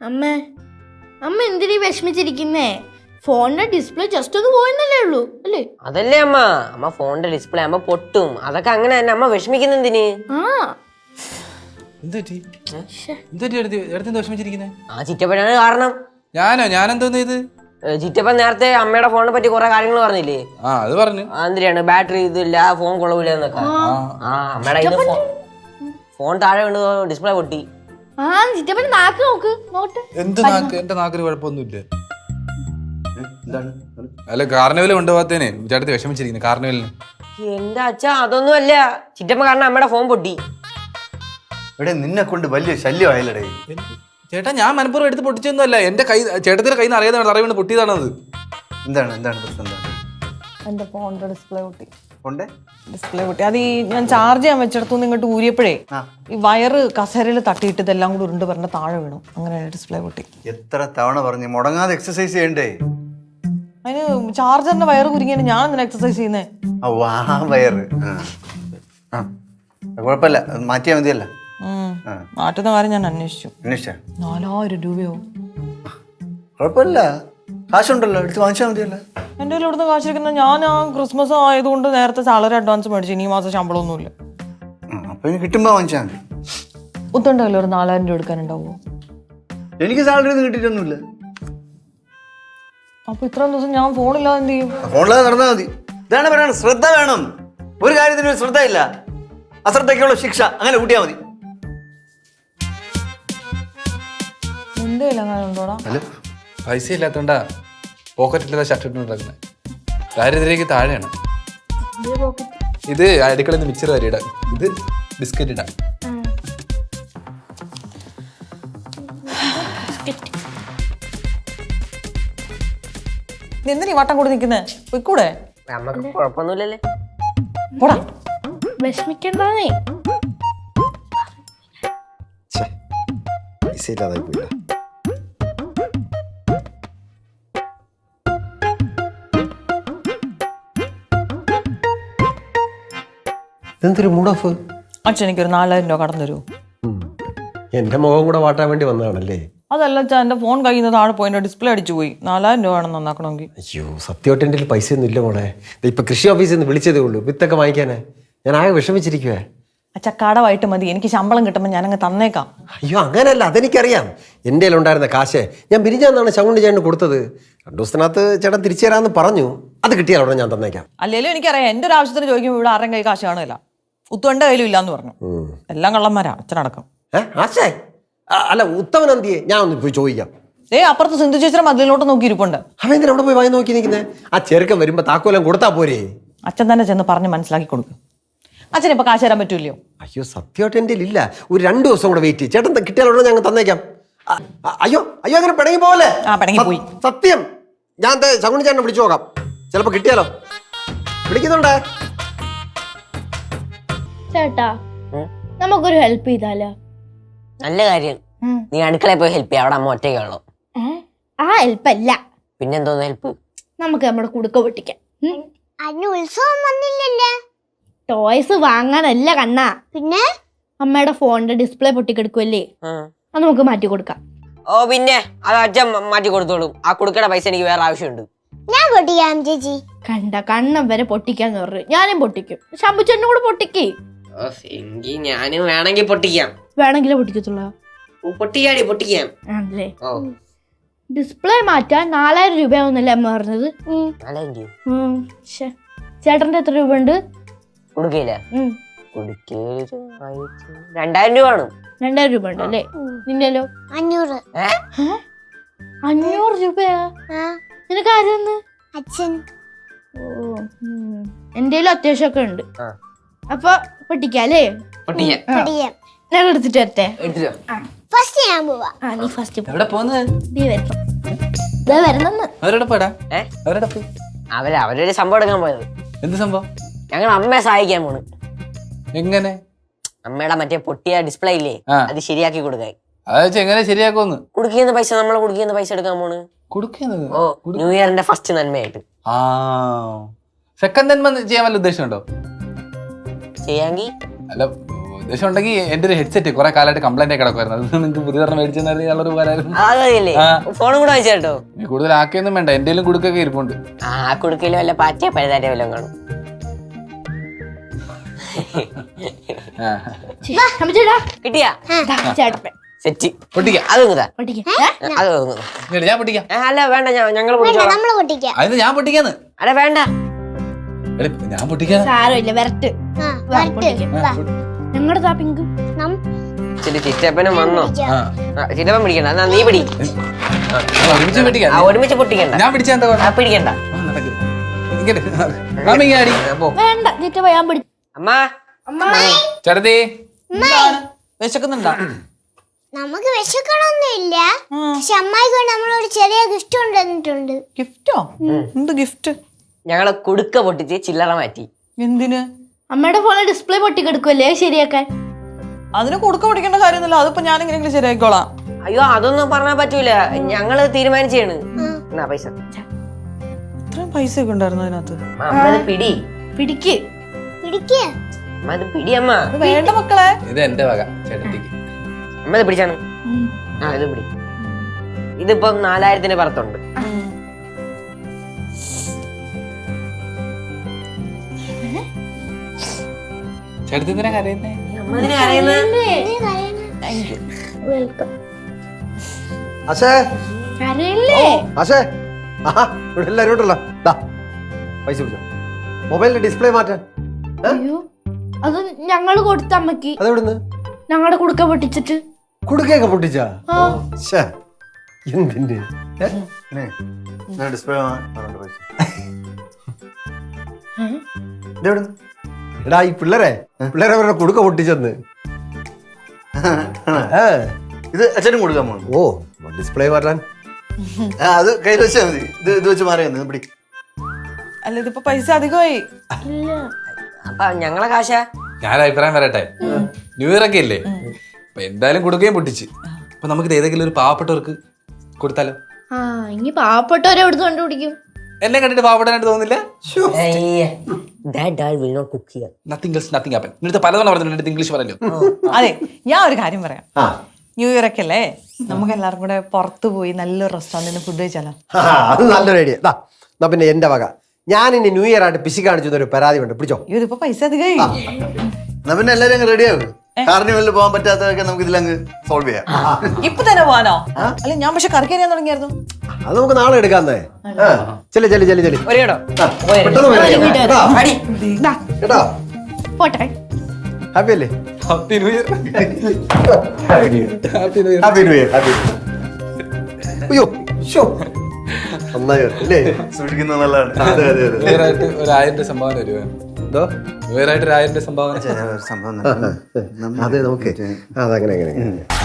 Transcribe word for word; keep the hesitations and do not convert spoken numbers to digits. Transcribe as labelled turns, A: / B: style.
A: അമ്മേ അമ്മ എന്തിനീ വിഷമിച്ചിരിക്കുന്നേ? ഫോണിന്റെ ഡിസ്പ്ലേ ജസ്റ്റ് ഒന്ന് പോയെന്നല്ലേ ഉള്ളൂ അല്ലേ?
B: അതല്ലേ അമ്മ, അമ്മ ഫോണിന്റെ ഡിസ്പ്ലേ അമ്മ പൊട്ടും, അതൊക്കെ അങ്ങനെ തന്നെ. അമ്മ വിഷമിക്കുന്ന എന്തിന്? ആ ചിറ്റപ്പനാണ് കാരണം.
C: ഞാനോ? ഞാനെന്തോന്ന് ഇത്?
B: ചിറ്റപ്പൻ നേരത്തെ അമ്മയുടെ ഫോണിനെ പറ്റി കുറെ കാര്യങ്ങൾ പറഞ്ഞില്ലേ?
C: ആ അത് പറഞ്ഞു.
B: എന്തിനാണ് ബാറ്ററി ഇതില്ല, ഫോൺ കൊള്ളൂല എന്നൊക്കെ. ആ അമ്മയുടെ ഇത് ഫോൺ താഴെ വീണ് ഡിസ്പ്ലേ പൊട്ടി.
C: എന്ത് നാക്ക്? എന്റെ നാക്കിന് കുഴപ്പമൊന്നുമില്ല. അല്ല കാർണിവല് കൊണ്ടുപോകാത്തേനെ ചേട്ടത്തി വിഷമിച്ചിരിക്കുന്നു. കാർണിവലിന്
B: എന്റെ അച്ഛ അതൊന്നും അല്ല, ചിറ്റപ്പൻ കാരണം അമ്മയുടെ ഫോൺ പൊട്ടി.
D: ഇവിടെ നിന്നെ കൊണ്ട് വലിയ ശല്യമായില്ലേ
C: ചേട്ടാ? ഞാൻ മനപ്പൂർവ്വം എടുത്ത് പൊട്ടിച്ചൊന്നും അല്ല. എന്റെ കൈ ചേട്ടത്തിന്റെ കയ്യിൽ നിന്ന് അറിയാതെ തറ വീണ് പൊട്ടിയതാണത്.
D: എന്താണ് എന്താണ് പ്രശ്നം? എന്താണ്?
E: എന്റെ ഫോണിന്റെ ഡിസ്പ്ലേ പൊട്ടി.
D: ഫോണിന്റെ
E: ഡിസ്പ്ലേ പൊട്ടി. അത് ഈ ഞാൻ ചാർജ് ചെയ്യാൻ വെച്ചിടത്തുനിന്ന് ഇങ്ങോട്ട് ഊരിയപ്പോഴേ ഈ വയറ് കസേരയിൽ തട്ടിയിട്ട് ഇതെല്ലാം കൂടി ഉരുണ്ട് പറഞ്ഞ താഴെ വീണു. അങ്ങനെ ഡിസ്പ്ലേ പൊട്ടി.
D: എത്ര തവണ പറഞ്ഞു മുടങ്ങാതെ എക്സസൈസ് ചെയ്യണ്ടേ?
E: അതിന് ചാർജറിന്റെ വയറ് കുരുങ്ങിയാണ് ഞാൻ എന്തിനാ എക്സസൈസ് ചെയ്യുന്നേ?
D: ആ വയറ് കുഴപ്പമില്ല, മാറ്റിയാൽ മതിയല്ല.
E: മാറ്റുന്ന കാര്യം ഞാൻ അന്വേഷിച്ചു.
D: അന്വേഷിച്ച
E: നാലായിരം രൂപയോ?
D: കുഴപ്പമില്ല, കാശുണ്ടല്ലോ, എടുത്ത് വാങ്ങിച്ചാൽ മതിയല്ല.
E: എന്റെ കയ്യിൽ ഇവിടുന്ന് കാശിരിക്കുന്ന ഞാൻ ആ ക്രിസ്മസ് ആയതുകൊണ്ട് നേരത്തെ സാലറി അഡ്വാൻസ് മേടിച്ചു. ഇനി ഈ മാസം ശമ്പളമൊന്നുമില്ല.
D: അപ്പൊ ഇനി കിട്ടുമ്പോ വാങ്ങിച്ചാൽ മതി.
E: ഒത്തുണ്ടല്ലോ ഒരു നാലായിരം രൂപ എടുക്കാനുണ്ടാവുമോ?
D: എനിക്ക് സാലറി ഒന്നും കിട്ടിയിട്ടൊന്നുമില്ല.
E: അപ്പൊ ഇത്രയും ദിവസം ഞാൻ ഫോണില്ലാതെ എന്ത് ചെയ്യും?
D: ഫോണില്ലാതെ നടന്നാൽ മതി. ഇതാണ് പറയണത്, ശ്രദ്ധ വേണം. ഒരു കാര്യത്തിന് ശ്രദ്ധയില്ല, അശ്രദ്ധയ്ക്കുള്ള ശിക്ഷ. അങ്ങനെ കൂട്ടിയാൽ മതി.
E: എന്തേലും അങ്ങനെ ഉണ്ടോടാ?
C: പൈസ ഇല്ലാത്തോണ്ടാ പോക്കറ്റില്ലാതെ ഷർട്ട് ഇട്ടുണ്ടാക്കുന്നത്. ദാരിദ്ര്യക്ക് താഴെയാണ് ഇത്. അടുക്കളയിൽ നിന്ന് മിച്ചർ വരെ ഇടാം, ഇത് ബിസ്ക്കറ്റ് ഇടാം.
E: എന്തിനീ വട്ടം കൂടി നിൽക്കുന്നേ? പോയിക്കൂടെ?
B: അമ്മക്ക് കുഴപ്പമൊന്നുമില്ലല്ലേ?
E: പോടാ,
A: വിഷമിക്കണ്ടേ.
F: പൈസ ഇല്ലാതായി പോയില്ല. എന്തൊരു മൂഡ് ഓഫ്?
E: അച്ഛൻ എനിക്കൊരു നാലായിരം രൂപ കടന്നു തരുമോ?
F: എന്റെ മുഖം കൂടെ വാട്ടാൻ വേണ്ടി വന്നതാണല്ലേ?
E: അതല്ല അച്ഛാ, എന്റെ ഫോൺ കയ്യിൽ നിന്ന് താഴെ പോയി, എന്റെ ഡിസ്പ്ലേ അടിച്ചു പോയി. നാലായിരം രൂപ വേണം നന്നാക്കണമെങ്കിൽ.
F: അയ്യോ സത്യമായിട്ട് എൻ്റെ പൈസ ഒന്നും ഇല്ല മോളെ. ഇപ്പൊ കൃഷി ഓഫീസിൽ നിന്ന് വിളിച്ചതേ ഉള്ളൂ വിത്തൊക്കെ വാങ്ങിക്കാനേ. ഞാൻ ആകെ വിഷമിച്ചിരിക്കുവേ.
E: അച്ഛ കടമായിട്ട് മതി, എനിക്ക് ശമ്പളം കിട്ടുമ്പോൾ ഞാനങ്ങ് തന്നേക്കാം.
F: അയ്യോ അങ്ങനെയല്ല, അതെനിക്കറിയാം. എൻ്റെ ഉണ്ടായിരുന്ന കാശ് ഞാൻ പിരിഞ്ഞാന്നാണ് ശങ്കുണ്ടി ചേട്ടന് കൊടുത്തത്. രണ്ടു ദിവസത്തിനകത്ത് ചേട്ടൻ തിരിച്ചു തരാമെന്ന് പറഞ്ഞു. അത് കിട്ടിയാൽ ഉടനെ ഞാൻ തന്നേക്കാം.
E: അല്ലെങ്കിലും എനിക്കറിയാം, എൻ്റെ ഒരു ആവശ്യത്തിന് ചോദിക്കുമ്പോൾ ഇവിടെ ആരും കൈ കാശ് കാണില്ല. ഉത്തുവന്റെ കയ്യിലും ഇല്ലാന്ന് പറഞ്ഞു. എല്ലാം കള്ളന്മാരാ, അച്ഛനടക്കം.
F: ഏഹ് ആശേ അല്ല ഉത്തമൻ എന്തിയെ? ഞാൻ ഒന്ന് പോയി ചോദിക്കാം.
E: ഏ അപ്പുറത്ത് സിന്ധു ചേച്ചിയുടെ മതിലോട്ട് നോക്കി ഇരിപ്പുണ്ട്.
F: അവൻ എന്തിനാ അവിടെ പോയി വായി നോക്കി നിൽക്കുന്നത്? ആ ചെറുക്കൻ വരുമ്പോ താക്കോലം കൊടുത്താ പോരേ?
E: അച്ഛൻ തന്നെ ചെന്ന് പറഞ്ഞ് മനസ്സിലാക്കി കൊടുക്കും. അച്ഛൻ ഇപ്പൊ കാശ് തരാൻ പറ്റൂല്ലോ?
F: അയ്യോ സത്യമായിട്ട് എൻ്റെ ഇല്ല. ഒരു രണ്ടു ദിവസം കൂടെ വെയിറ്റ് ചെയ്യും. ചേട്ടൻ കിട്ടിയാലുള്ള ഞങ്ങൾ തന്നേക്കാം. അയ്യോ അയ്യോ അങ്ങനെ പിണങ്ങി പോലെ.
E: ആ പിണങ്ങി പോയി.
F: സത്യം ഞാൻ ശങ്കുണ്ണി ചേട്ടനെ വിളിച്ചു നോക്കാം, ചിലപ്പോ കിട്ടിയാലോ. വിളിക്കുന്നുണ്ടേ
A: ചേട്ടാ, നമുക്കൊരു ഹെൽപ്പ് ചെയ്താലോ?
B: നല്ല കാര്യം. നീ അടുക്കളയിൽ പോയി ഹെൽപ്പ് ചെയ്യാം, അവിടെ അമ്മ ഒറ്റയ്ക്കുള്ളൂ.
A: ആ ഹെൽപ്പ് അല്ല,
B: പിന്നെന്തോന്ന് ഹെൽപ്പ്?
A: നമുക്ക് നമ്മുടെ കുടുക്ക പൊട്ടിക്കാം.
G: അതിന് ഉത്സവം വന്നില്ലല്ലേ?
A: ടോയ്സ് വാങ്ങാനല്ല കണ്ണാ, പിന്നെ അമ്മയുടെ ഫോണിന്റെ ഡിസ്പ്ലേ പൊട്ടിക്കെടുക്കുമല്ലേ, അത് നമുക്ക് മാറ്റി കൊടുക്കാം.
B: ഓ പിന്നെ അത് അച്ഛൻ മാറ്റി കൊടുത്തോളും. ആ കുടുക്കയുടെ പൈസ എനിക്ക് വേറെ ആവശ്യമുണ്ട്.
G: ഞാൻ പൊട്ടിക്കാം ചേച്ചി.
A: കണ്ട കണ്ണം വരെ പൊട്ടിക്കാന്ന് പറഞ്ഞു. ഞാനും പൊട്ടിക്കും, ശമ്പുച്ചേട്ടനും കൂടെ പൊട്ടിക്കേ.
B: എങ്കിൽ ഞാനും വേണമെങ്കിൽ പൊട്ടിക്കാം.
A: വേണമെങ്കിലേ പൊട്ടിക്കത്തുള്ളൂ.
B: പൊട്ടിക്കാടി പൊട്ടിക്കാം.
A: ആണല്ലേ? ഡിസ്പ്ലേ മാറ്റാൻ നാലായിരം രൂപയാവുന്നല്ലേ അമ്മ പറഞ്ഞത്? ചേട്ടന്റെ എത്ര രൂപ ഉണ്ട്
B: കൊടുക്കയില്ല? രണ്ടായിരം രൂപ ആണ്.
A: രണ്ടായിരം രൂപ ഉണ്ട് അല്ലേ? നിന്റെല്ലോ?
G: അഞ്ഞൂറ്.
A: അഞ്ഞൂറ് രൂപയാ? നിനക്ക് ആരെന്ന്?
G: അച്ഛൻ.
A: ഓ എന്റെലും അത്യാവശ്യമൊക്കെ ഉണ്ട്. അപ്പൊ പൊട്ടിക്കാല്ലേ? ഞാൻ എടുത്തിട്ട് വരട്ടെ.
G: ഫസ്റ്റ് ഞാൻ പോവാ.
A: ആ നീ ഫസ്റ്റ്.
C: എവിടെ പോകുന്നത്?
A: നീ വരണം. വരുന്നെന്ന്.
C: അവരോടെ പോടാ. അവരോടെ പോയി
B: അവര് അവരൊരു സംഭവം എടുക്കാൻ പോയത്.
C: എന്ത് സംഭവം?
B: ഞങ്ങൾ അമ്മയെ സഹായിക്കാൻ പോണ്.
C: എങ്ങനെ?
B: അമ്മയുടെ മറ്റേ പൊട്ടിയ ഡിസ്പ്ലേ ഇല്ലേ, അത് ശരിയാക്കി കൊടുക്കാൻ.
C: അത് എങ്ങനെ ശരിയാക്കുമെന്ന്?
B: കുടുക്കുന്ന പൈസ നമ്മളെ കുടുക്കുന്ന പൈസ എടുക്കാൻ പോണ്.
C: കൊടുക്കുന്നത്?
B: ഓ ന്യൂ ഇയറിന്റെ ഫസ്റ്റ് നന്മയായിട്ട്.
C: ആ സെക്കൻഡ് നന്മ ചെയ്യാൻ വല്ല ഉദ്ദേശമുണ്ടോ?
B: ചെയ്യാങ്കി
C: അല്ല ഉദ്ദേശം ഉണ്ടെങ്കിൽ എന്റെ ഒരു ഹെഡ്സെറ്റ് കുറെ കാലമായിട്ട് കംപ്ലൈന്റ് ആയി കിടക്കുമായിരുന്നു അത് നിങ്ങൾക്ക് പുതിയ മേടിച്ചെന്നായിരുന്നു ഇയാളൊരു ഉപകാരമായിരുന്നു.
B: അതല്ലേ ഫോണും കൂടെ വാങ്ങിച്ചു കേട്ടോ.
C: നീ കൂടുതൽ ആക്കിയൊന്നും വേണ്ട, എന്റെയിലും കുടുക്കൊക്കെ ഇരിപ്പുണ്ട്.
B: ആ കുടുക്കയിലും വല്ല പാറ്റിയ പഴുതാറ്റ വല്ലതും കാണും.
C: ആ.
A: അമ്മച്ചേട്ടാ
B: കിട്ടിയാ
A: ചേട്ടപ്പൻ
B: സെറ്റ്
C: പൊട്ടിക്കാം.
B: അത് കുതാ
A: പൊട്ടിക്ക്.
B: അത് കുതാ.
C: ഇങ്ങട് ഞാൻ പൊട്ടിക്കാം.
B: ഏ, അല്ല വേണ്ട, ഞങ്ങൾ
G: വേണ്ട
B: പൊട്ടിച്ചോളാം.
G: നമ്മള് പൊട്ടിക്കാം.
C: അതിന് ഞാൻ പൊട്ടിക്കാന്ന്.
B: അല്ല വേണ്ട.
C: എടി, ഞാൻ പൊട്ടിക്കാന്ന്.
A: സാരമില്ല വരട്ട്
G: ആ, വരട്ടെ. വാ.
A: ഞങ്ങളുടെ താ പിങ്ക്
G: നം
B: ചില ചിറ്റപ്പനും വന്നോ?
C: ആ.
B: ആ, ചിറ്റപ്പൻ പിടിക്കണ്ട, എന്നാ നീ പിടി.
C: ആ, ഒരുമിച്ച് പൊട്ടിക്കാം.
B: ആ, ഒരുമിച്ച് പൊട്ടിക്കണ്ട.
C: ഞാൻ പിടിച്ചാ എന്താ
B: ആ,
C: കുഴപ്പം?
B: പിടിക്കണ്ട.
C: ആ, നടക്ക്. ഇങ്ങട്. മാമി ഇങ്ങ് ആടി.
B: പോ.
A: വേണ്ട ചിറ്റപ്പ ഞാൻ പിടി
B: അമ്മ
C: ചേട്ടത്തി
E: വിശക്കുന്നുണ്ടോ?
G: നമുക്ക് വിശക്കണമൊന്നുമില്ല. പക്ഷെ അമ്മായിക്ക് വേണ്ടി നമ്മളൊരു ചെറിയ ഗിഫ്റ്റ് കൊണ്ടുവന്നിട്ടുണ്ട്.
E: ഗിഫ്റ്റോ? എന്ത് ഗിഫ്റ്റ്?
B: ഞങ്ങള് കുടുക്ക പൊട്ടിച്ച് ചില്ലറ മാറ്റി.
E: എന്തിന്?
A: അമ്മയുടെ ഫോണിൽ ഡിസ്പ്ലേ പൊട്ടിക്കെടുക്കുമല്ലേ ശരിയാക്കാൻ.
E: അതിന് കൊടുക്ക പിടിക്കേണ്ട കാര്യമൊന്നുമില്ല, അതിപ്പോ ഞാൻ എങ്ങനെയെങ്കിലും ശരിയായിക്കോളാം.
B: അയ്യോ അതൊന്നും പറഞ്ഞാൽ പറ്റൂല, ഞങ്ങള് തീരുമാനിച്ചാണ്. എന്നാ പൈസ.
E: ഇത്രയും പൈസ ഒക്കെ ഉണ്ടായിരുന്നു അതിനകത്ത്.
B: അമ്മ ഇത് പിടി.
A: പിടിക്ക്
G: പിടിക്കുക.
B: അമ്മ ഇത് പിടി അമ്മ.
E: അത് വേണ്ട മക്കളെ.
C: ഇത് എന്റെ വക ചേട്ടത്തിക്ക്.
B: അമ്മ ഇത് പിടിച്ചാണ്. ആ ഇത് പിടി. ഇതിപ്പം നാലായിരത്തിന്റെ പുറത്തുണ്ട്.
C: ചേട്ടത്തി എന്തിനാ കരയുന്നേ?
B: അമ്മ ഇതിനെ അറിയുന്നത്.
A: വെൽക്കം.
F: ആശേ
A: കരയല്ലേ?
F: ആശേ ആഹാ ഇവിടെ എല്ലാവരും ഉണ്ടല്ലോ. ദാ പൈസ പിടിച്ചോ. മൊബൈലിന്റെ ഡിസ്പ്ലേ മാറ്റാൻ.
A: അയ്യോ അത് ഞങ്ങള് കൊടുത്ത അമ്മക്ക്.
F: അതെവിടുന്ന്?
A: ഞങ്ങളുടെ കുടുക്ക പൊട്ടിച്ചിട്ട്.
F: കുടുക്കയൊക്കെ പൊട്ടിച്ചാ?
A: ആ.
F: ശ്ശേ, എന്തിന്റെ? ഏ?
D: ഡിസ്പ്ലേ ഇതെവിടെ?
F: എടാ ഈ പിള്ളേരെ പിള്ളേരെ അവരുടെ കുടുക്ക പൊട്ടിച്ചെന്ന്. ഏ.
D: ഇത് അച്ഛനും കൊടുക്കാൻ പോകുന്നു.
F: ഓ ഡിസ്പ്ലേ മാറ്റാൻ.
D: ആ, അത് കയ്യിൽ വെച്ചാൽ മതി. ഇത് ഇത് വെച്ച് മാറിയാ പിടി.
E: അല്ല ഇതിപ്പോ പൈസ അധികമായി.
A: ഇല്ല
B: അപ്പൊ ഞങ്ങളെ കാശ.
C: ഞാൻ അഭിപ്രായം പറയട്ടെ, ന്യൂ ഇയർ ഒക്കെ ഇല്ലേ, അപ്പൊ എന്തായാലും കൊടുക്കുകയും പൊട്ടിച്ച്. അപ്പൊ നമുക്ക് ഏതെങ്കിലും ഒരു പാവപ്പെട്ടവർക്ക് കൊടുത്താലോ?
A: ആ ഇനി പാവപ്പെട്ടവരെ എവിടുന്ന് കണ്ടുപിടിക്കും?
C: എന്നെ കണ്ടിട്ട് പാവപ്പെടാനായിട്ട് തോന്നുന്നില്ല? Nothing else nothing happen. നിന്റെ പലതവണ പറഞ്ഞിട്ടുണ്ട് ഇംഗ്ലീഷ് പറയല്ലോ.
E: അതെ, ഞാൻ ഒരു കാര്യം പറയാം.
F: ആ
E: ന്യൂ ഇയർ ഒക്കെ അല്ലേ, നമുക്ക് എല്ലാവർക്കും കൂടെ പുറത്തു പോയി നല്ലൊരു റെസ്റ്റോറന്റിൽ ഫുഡ് കഴിച്ചാലോ?
F: ആ, അത് നല്ലൊരു ഐഡിയ. ദാ എന്നാ പിന്നെ എന്റെ വക. ഞാൻ ഇനി ന്യൂ ഇയർ ആയിട്ട് പിശി കാണിച്ചു ഒരു പരാതി ഉണ്ട്, പിടിച്ചോ.
E: അയ്യോ ഇതിപ്പോ പൈസ അധികമായി.
D: എന്നാ പിന്നെ എല്ലാരും അങ്ങ് റെഡി ആവും. കാർണിവലിൽ പോകാൻ പറ്റാത്തതൊക്കെ നമുക്ക് ഇതിലങ്ങ് സോൾവ് ചെയ്യാം.
E: ഇപ്പൊ തന്നെ പോവാനോ? അല്ല ഞാൻ പക്ഷെ കറക്കി അറിയാൻ തുടങ്ങിയായിരുന്നു.
F: അത് നമുക്ക് നാളെ എടുക്കാന്നേ. ചെല്ലു ചെല്ലു ചെല്ലു ചെല്ലു.
B: ഒരു കേട്ടോ.
F: പെട്ടെന്ന് വരാം. കേട്ടോ?
A: ദാ,
F: കേട്ടോ?
A: പോട്ടെ.
F: ഹാപ്പി അല്ലേ?
C: Happy new year.
F: Happy new year. Happy new year. Happy. അയ്യോ ശോ. നന്നായി അല്ലേ?
D: സൂക്ഷിക്കുന്നത് നല്ലതാണ്.
F: അതെ അതെ അതെ.
C: ന്യൂ ഇയർ ആയിട്ട് ഒരു ആയിരം രൂപ സംഭാവന വരുവാ.
F: എന്തോ?
C: ന്യൂ ഇയർ ആയിട്ട് ഒരു ആയിരം രൂപ സംഭാവന.
D: സംഭവം
F: അതെ നമുക്ക് അതങ്ങനെ അങ്ങനെ